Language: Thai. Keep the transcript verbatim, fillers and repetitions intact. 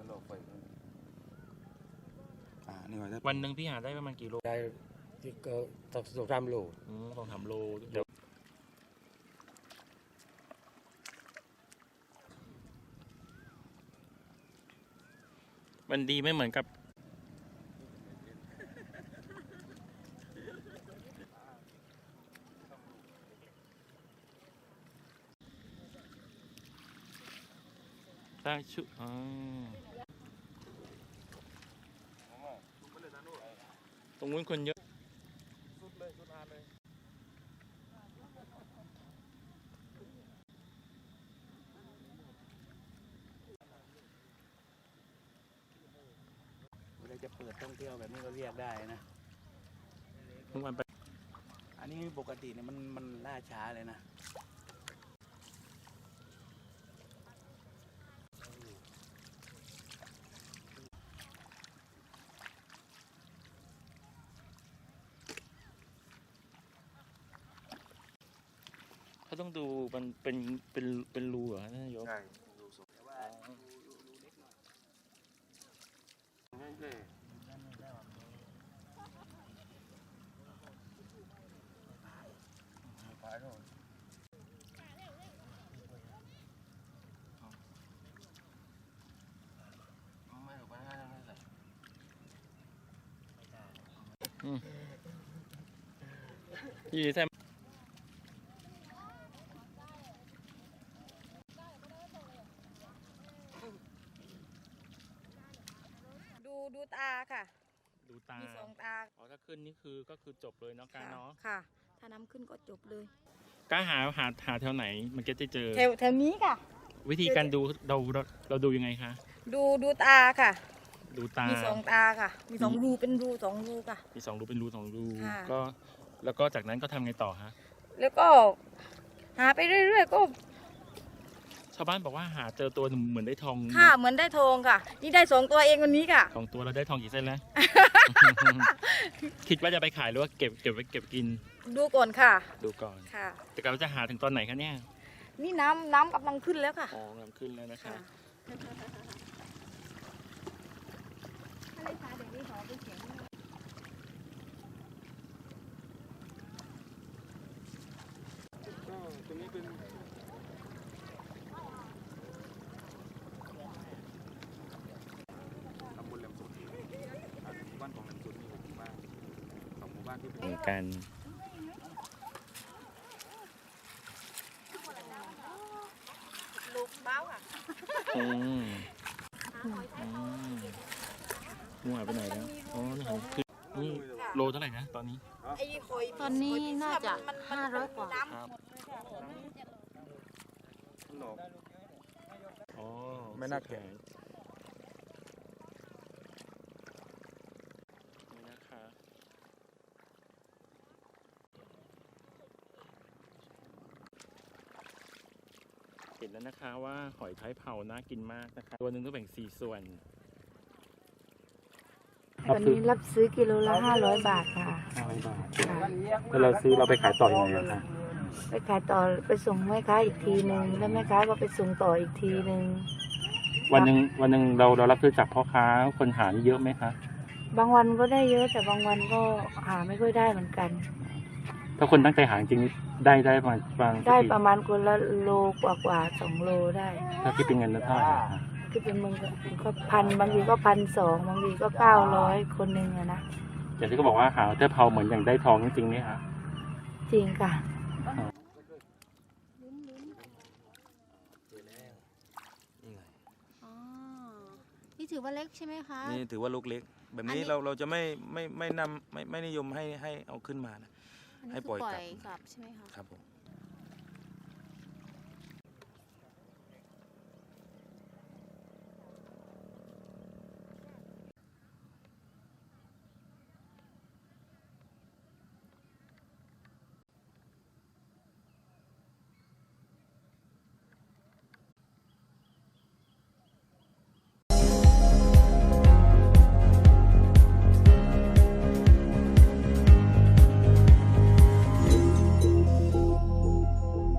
เราไฟอ่านี่ไว้วันหนึ่งพี่หาได้ประมาณกี่โลได้ที่ก็สองสองสามโลอืมสองสามโลเดี๋ยวมันดีไม่เหมือนกับได้ชุอ๋อตรงนู้นคนเยอะสุดเลยสุดทานเลยเวลาจะเปิดท่องเที่ยวแบบนี้ก็เรียกได้นะทุกวันไปอันนี้ปกติเนี่ยมันมันล่าช้าเลยนะเขาต้องดูมันเป็นเป็นเป็นรูเหรอท่านนายกใช่ดูสดแต่ว่าดูดูดูเล็กหน่อยนี่ปลาโดนไม่หรอกปลาไม่ใส่ยี่แซมดูดูตาค่ะดูตามีสองตาอ๋อถ้าขึ้นนี่คือก็คือจบเลยเนาะการเนาะค่ะถ้าน้ำขึ้นก็จบเลยก้าหาหาหาแถวไหนมันก็จะเจอแถวแถวนี้ค่ะวิธีการดูเราเราเราดูยังไงคะดูดูตาค่ะดูตามีสองตาค่ะมีสองรูเป็นรูสองรูค่ะมีสองรูเป็นรูสองรูก็แล้วก็จากนั้นก็ทำไงต่อฮะแล้วก็หาไปเรื่อยๆก็ชาวบ้านบอกว่าหาเจอตัวเหมือนได้ทองค่ะเหมือนได้ทองค่ะนี่ได้สองตัวเองวันนี้ค่ะสองตัวเราได้ทองกี่เส้นแล้ว คิดว่าจะไปขายหรือว่าเก็บเก็บไว้เก็บกินดูก่อนค่ะดูก่อนค่ะแต่เราจะหาถึงตอนไหนคะเนี่ยนี่น้ำน้ำกำลังขึ้นแล้วค่ะอ๋อน้ำขึ้นแล้วนะคะอะไรคะเดี๋ยวนี้ขอไปเขียนตัวนี้เป็นตำบลแหลมสุดหมู่บ้านของแหลมสุดมีหกหมู่บ้านสองหมู่บ้านที่เป็นกันลูกเบ้าอ่ะอืมมั่วไปไหนแล้วอ๋อนี่คือนี่โลเท่าไหร่นะตอนนี้ตอนนี้น่าจะห้าร้อยกว่าอ๋อไม่น่าแก่นี่นะคะเห็นแล้วนะคะว่าหอยท้ายเผาน่ากินมากนะคะตัวหนึ่งก็แบ่งสี่ส่วนวันนี้รับซื้อกิโลละห้าร้อยบาทค่ะห้าร้อยบาทแล้วเราซื้อเราไปขายต่อยังไงคะไปขายต่อไปส่งแม่ค้าอีกทีหนึ่งแล้วแม่ค้าก็ไปส่งต่ออีกทีหนึ่งวันหนึ่งวันหนึ่งเราเรารับซื้อจากพ่อค้าคนหาเยอะไหมคะบางวันก็ได้เยอะแต่บางวันก็หาไม่ค่อยได้เหมือนกันถ้าคนตั้งใจหาจริงได้ได้ประมาณได้ประมาณคนละโลกว่ากว่าสองโลได้ถ้าคิดเป็นเงินเท่าไหร่คือเป็นมึงก็พันบางทีก็พันสองบางทีก็เก้าร้อยคนหนึ่งอะนะอย่างที่เขาบอกว่าหาเทพเผาเหมือนอย่างได้ทองจริงไหมคะจริงค่ะนี่ถือว่าเล็กใช่ไหมคะนี่ถือว่าลูกเล็กแบบนี้เราเราจะไม่ไม่ไม่นำไม่ไม่นิยมให้ให้เอาขึ้นมานะให้ปล่อยกลับกลับใช่ไหมคะครับผม